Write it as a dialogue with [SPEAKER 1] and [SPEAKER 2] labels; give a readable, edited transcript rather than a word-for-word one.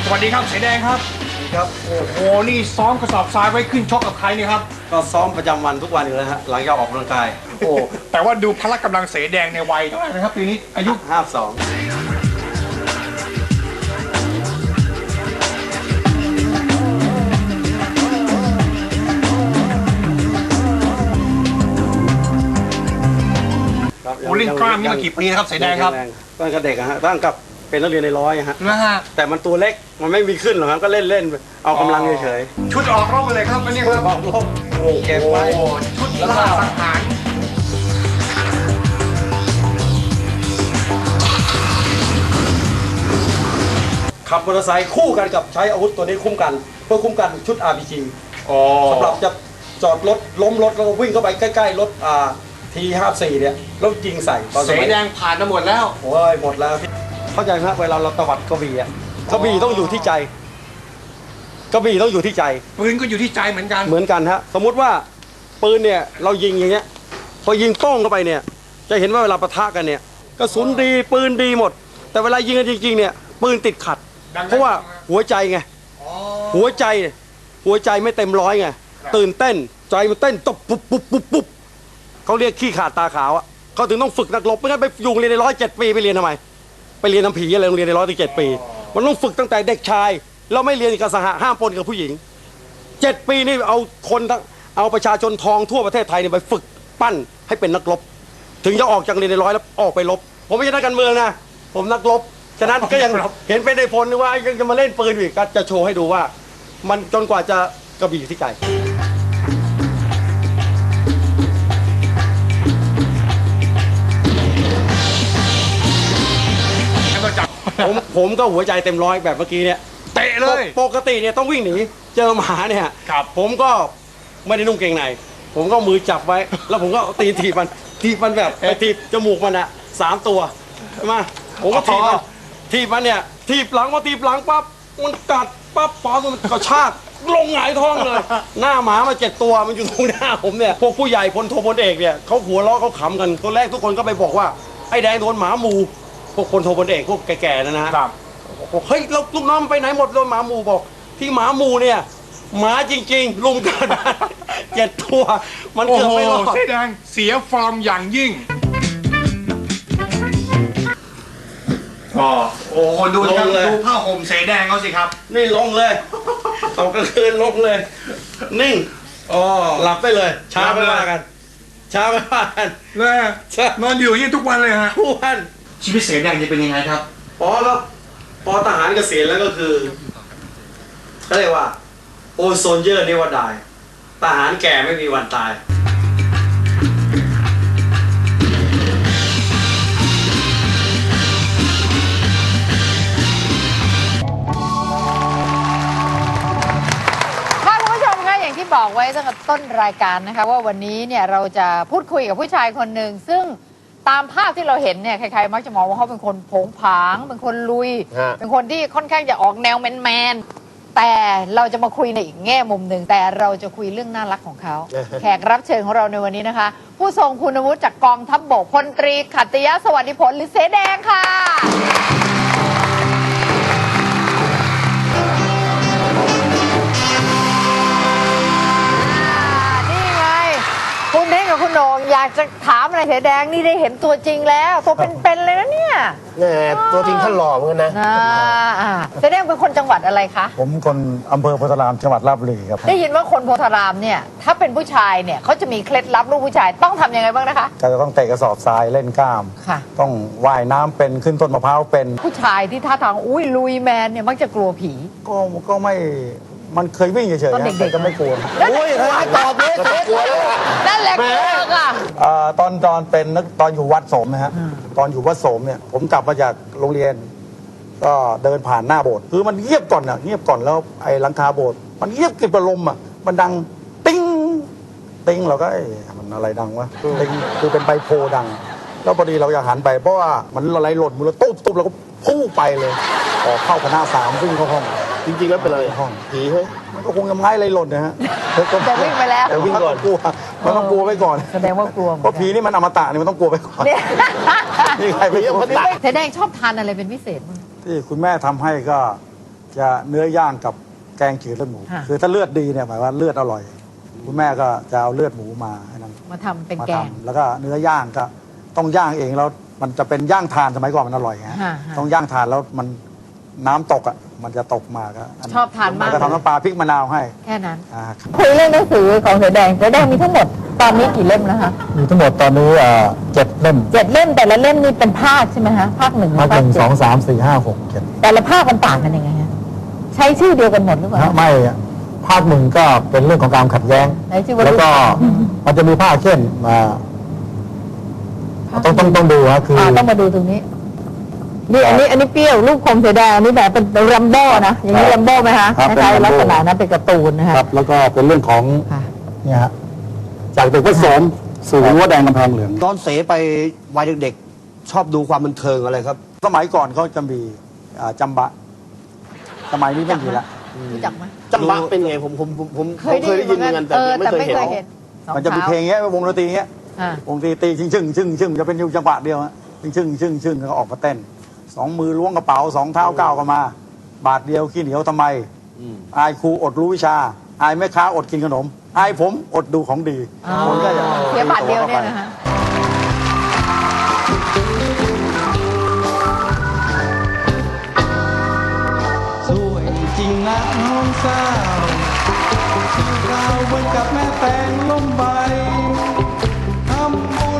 [SPEAKER 1] สวัสดีครับเสแดงครับ
[SPEAKER 2] ครับ
[SPEAKER 1] โอ้โหนี่ซ้อมกระสอบทรายไว้ขึ้นชกกับใครเนี่ยครับ
[SPEAKER 2] ก็ซ้อมประจำวันทุกวันอยู่แล้วฮะหลังจากออกกำลังกาย
[SPEAKER 1] โอ้แต่ว่าดูพละกำลังเสแดงในวัยเท่าไหร่นะครับปีนี้อายุ
[SPEAKER 2] 52
[SPEAKER 1] โอ้เล่นกล้ามนี่มากี่ปีนะครับเสแดงครับ
[SPEAKER 2] ตั้งแต่เด็กฮะตั้งกับเป็นนักเรียนในร้อยฮะ
[SPEAKER 1] นะฮะ
[SPEAKER 2] แต่มันตัวเล็กมันไม่มีขึ้นหรอกครับก็เล่นเล่นเอากำลังเฉย
[SPEAKER 1] ๆชุดออกรบเลยครับอันนี้ครับ
[SPEAKER 2] ออกรบเก็บไว้
[SPEAKER 1] ชุดล่าสังหาร
[SPEAKER 2] ขับมอเตอร์ไซค์คู่กันกับใช้อาวุธตัวนี้คุ้มกันเพื่อคุ้มกันชุด RPG สำหรับจะจอดรถล้มรถแล้วก็วิ่งเข้าไปใกล้ๆรถT54เนี่ยแล้วยิงใส่
[SPEAKER 1] เสแดงผ่านมาหมดแล้ว
[SPEAKER 2] โอ้ยหมดแล้วเข้าใจไหมครับเวลาเราตวัดกระบี่อ่ะกระบี่ต้องอยู่ที่ใจกระบี่ต้องอยู่ที่ใจ
[SPEAKER 1] ปืนก็อยู่ที่ใจเหมือนกัน
[SPEAKER 2] ฮะสมมุติว่าปืนเนี่ยเรายิงอย่างเงี้ยพอยิงโป้งเข้าไปเนี่ยจะเห็นว่าเวลาปะทะกันเนี่ยกระสุนดีปืนดีหมดแต่เวลายิงกันจริงๆเนี่ยปืนติดขัดเพราะว่าหัวใจไงหัวใจไม่เต็มร้อยไงตื่นเต้นใจมันเต้นตบปุ๊บเขาเรียกขี้ขาดตาขาวอ่ะเขาถึงต้องฝึกนักรบไม่งั้นไปอยู่เรียนใน107 ปีไปเรียนทำไมไปเรียนน้ำผีอะไรโรงเรียนใน107 ปีมันต้องฝึกตั้งแต่เด็กชายเราไม่เรียนกับสหะห้ามปนกับผู้หญิง7 ปีนี่เอาประชาชนทองทั่วประเทศไทยเนี่ยไปฝึกปั้นให้เป็นนักรบถึงจะออกจากเรียนในร้อยแล้วออกไปรบผมไม่ใช่นักการเมืองนะผมนักรบฉะนั้นก็ยังเห็นเป็นในพลว่ายังจะมาเล่นปืนอีกก็จะโชว์ให้ดูว่ามันจนกว่าจะกระบี่อยู่ที่ใจผมก็หัวใจเต็มร้อยแบบเมื่อกี้เนี่ย
[SPEAKER 1] เตะเลย
[SPEAKER 2] ปกติเนี่ยต้องวิ่งหนีเจอหมาเนี่ยผมก็ไม่ได้นุ่งเกงในผมก็มือจับไว้แล้วผมก็ถีบมันแบบไปถีบจมูกมันอ่ะ3 ตัวใช่ไหมผมก็ถีบมันเนี่ยถีบหลังปั๊บมันกัดปั๊บปอมันกระชากลงหงายท้องเลยหน้าหมามา7 ตัวมันอยู่ตรงหน้าผมเนี่ยพวกผู้ใหญ่พลโทพลเอกเนี่ยเขาหัวเราะเขาขำกันตัวแรกทุกคนก็ไปบอกว่าไอ้แดงโดนหมาหมูพวกพลโทพลเอกพวกแก่ๆนะครับเฮ้ยเราลูกน้องไปไหนหมดโดนหมาหมูบอกที่หมาหมูเนี่ยหมาจริงๆลุมกัน7 ตัวมันเกือบไม่รอด
[SPEAKER 1] เสแดงเสียฟอร์มอย่างยิ่งโอ้ดูผ้าห่มเสแดงเขาสิครับ
[SPEAKER 2] นี่ลงเลยตกกลางคืนลงเลยนิ่งหลับไปเลยช้าไม่ว่ากัน
[SPEAKER 1] เลยนอนอยู่อย่างนี้ทุกวันเลยฮะ
[SPEAKER 2] ทุกวัน
[SPEAKER 1] ชีวิตเสแดงจะเป็นยังไงครับ
[SPEAKER 2] พอทหารเกษียณแล้วก็คือเขาเรียกว่าโอโซนเยอร์เนวดายทหารแก่ไม่มีวันตาย
[SPEAKER 3] ที่บอกไว้ตั้งแต่ต้นรายการนะคะว่าวันนี้เนี่ยเราจะพูดคุยกับผู้ชายคนหนึ่งซึ่งตามภาพที่เราเห็นเนี่ยใครๆมักจะมองว่าเขาเป็นคนโผงผางเป็นคนลุยเป็นคนที่ค่อนข้างจะออกแนวแมนๆแต่เราจะมาคุยในอีกแง่มุมหนึ่งแต่เราจะคุยเรื่องน่ารักของเขาแขกรับเชิญของเราในวันนี้นะคะผู้ทรงคุณวุฒิจากกองทัพบกพลตรีขัตติยะสวัสดิผลหรือเสแดงค่ะคุณเท่งกับคุณโหน่งอยากจะถามอะไรเสแดงนี่ได้เห็นตัวจริงแล้วตัวเป็นๆเลยนะเนี่ย
[SPEAKER 4] ตัวจริงท่านหล่อเหมือนกันนะ
[SPEAKER 3] เสแดงเป็นคนจังหวัดอะไรคะ
[SPEAKER 4] ผมคนอำเภอโพธารามจังหวัดราชบุรีครับ
[SPEAKER 3] ได้ยินว่าคนโพธารามเนี่ยถ้าเป็นผู้ชายเนี่ยเขาจะมีเคล็ดลับลูกผู้ชายต้องทำยังไงบ้างนะคะ
[SPEAKER 4] ก็จะต้องเตะกระสอบทรายเล่นกล้ามต้องว่ายน้ำเป็นขึ้นต้นมะพร้าวเป็น
[SPEAKER 3] ผู้ชายที่ท่าทางอุ้ยลุยแมนเนี่ยมักจะกลัวผี
[SPEAKER 4] ก็ไม่มันเคยวิ่งเฉยๆ
[SPEAKER 3] ตอนเด็ก
[SPEAKER 4] ๆก็ไม่กลัว
[SPEAKER 3] โอ้ยตอบเลยกลัวนั่นแหละกลัวค่ะ
[SPEAKER 4] ตอนเป็นตอนอยู่วัดโสมนะฮะตอนอยู่วัดโสมเนี่ยผมกลับมาจากโรงเรียนก็เดินผ่านหน้าโบสถ์คือมันเงียบก่อนแล้วไอ้หลังคาโบสถ์มันเงียบกริบประลมอ่ะมันดังติ้งเราก็มันอะไรดังวะติ้งคือเป็นใบโพดังแล้วพอดีเราอยากหันไปเพราะว่ามันอะไรหล่นมือเราตุ๊บเราก็พุ่งไปเลยออกเข้าคณะ3วิ่งเข้าห้อง
[SPEAKER 2] จริงๆแล้วเป็นอะไร
[SPEAKER 4] ห้องผีเฮ้ยมันก็คงจะไม้อะไรหล่นนะฮะ
[SPEAKER 3] แต่วิ่งไปแล้ว
[SPEAKER 4] แต่วิ่งก่อนกลัวมันต้องกลัวไว้ก่อน
[SPEAKER 3] แสดงว่ากลัว
[SPEAKER 4] เพราะผีนี่มันอมตะนี่มันต้องกลัวไปก่อนนี่ใครไม่กลัว
[SPEAKER 3] เสแดงชอบทานอะไรเป็นพิเศษมั้ง
[SPEAKER 4] ที่คุณแม่ทำให้ก็จะเนื้อย่างกับแกงจืดเลือดหมู
[SPEAKER 3] ค่ะ
[SPEAKER 4] คือถ้าเลือดดีเนี่ยหมายว่าเลือดอร่อย คุณแม่ก็จะเอาเลือดหมูมาให้นั่น
[SPEAKER 3] มาทำเป็น
[SPEAKER 4] มา
[SPEAKER 3] แกง
[SPEAKER 4] ทำแล้วก็เนื้อย่างก็ต้องย่างเองแล้วมันจะเป็นย่างทานสมัยก่อนมันอร่อยไง
[SPEAKER 3] ฮะ
[SPEAKER 4] ต้องย่างทานแล้วมันน้ำตกอ่ะมันจะตกมาก็
[SPEAKER 3] ชอบทานมาก
[SPEAKER 4] ก็ทำน้ำปลาพริกมะนาวให้
[SPEAKER 3] แค่นั้น
[SPEAKER 4] อ่า
[SPEAKER 3] คุยเรื่องหนังสือของเสือแดงมีทั้งหมดตอนนี้กี่เล่มแล้วคะ
[SPEAKER 5] มีทั้งหมดตอนนี้7 เล่ม
[SPEAKER 3] 7 เล่มแต่ละเล่มนี่เป็นภาคใช่ไหมฮะภาค 1
[SPEAKER 5] ภาค
[SPEAKER 3] ภาค
[SPEAKER 5] 1
[SPEAKER 3] เจ็ด
[SPEAKER 5] 2 3 4 5 6 7
[SPEAKER 3] แต่ละภาคมันต่างกันยังไงฮะใช้ชื่อเดียวกันหมดหรือเปล่า
[SPEAKER 5] ไม่อะภาค 1ก็เป็นเรื่องของการขัดแย้ง
[SPEAKER 3] ไหนชื่อว่า
[SPEAKER 5] แล้วก็มันจะมีภาคเช่นต้องดูฮะคือ
[SPEAKER 3] ต้องมาดูตรงนี้นี่อันนี้เปรี้ยวรูปคมเสือแดงอันนี้แบบเป็นรัมโบ้นะอย่างนี้รัมโบ้ไหมฮะ
[SPEAKER 5] ครับ
[SPEAKER 3] คล้าย
[SPEAKER 5] เป็น
[SPEAKER 3] ๆลักษ
[SPEAKER 5] Rambo
[SPEAKER 3] ณะนั้นเป็นการ์ตูนนะฮะ
[SPEAKER 5] ครับแล้วก็เป็นเรื่องของ
[SPEAKER 3] ค่ะ
[SPEAKER 5] เนี่ยฮะจากเด็กผสมสู่รั้วแดงกำแพงเหลือง
[SPEAKER 2] ตอนเสไปวัยเด็กๆชอบดูความบันเทิงอะไรครับ
[SPEAKER 4] สมัยก่อนเขาจะมีจำบะ สมัยนี้ไม่มีละ
[SPEAKER 3] รู้จักไหม
[SPEAKER 2] จำบะเป็นไงผมเคยได้ยินเหมือนกันแต่ไม่เคยเห็น
[SPEAKER 4] มันจะมีเพลงเงี้ยวงดนตรีเงี้ย
[SPEAKER 3] อ่า
[SPEAKER 4] วงดนตรีตีชึ่งจะเป็นอยู่จังหวะเดียวฮะชึ่งแล้วก็ออกมาเต้น 2 มือล้วงกระเป๋า 2 เท้าก้าวกันมา บาทเดียวขี้เหนียวทำไม อายครูอดรู้วิชา อายแม่ค้าอดกินขนม อายผมอดดูของดีคนก็จะ
[SPEAKER 3] เสียบาทเดียวเนี่ยนะฮะ
[SPEAKER 1] สวยจริงนะน้องสาวชื่อเราเหมือนกับแม่แตงล้มใบทำบุญ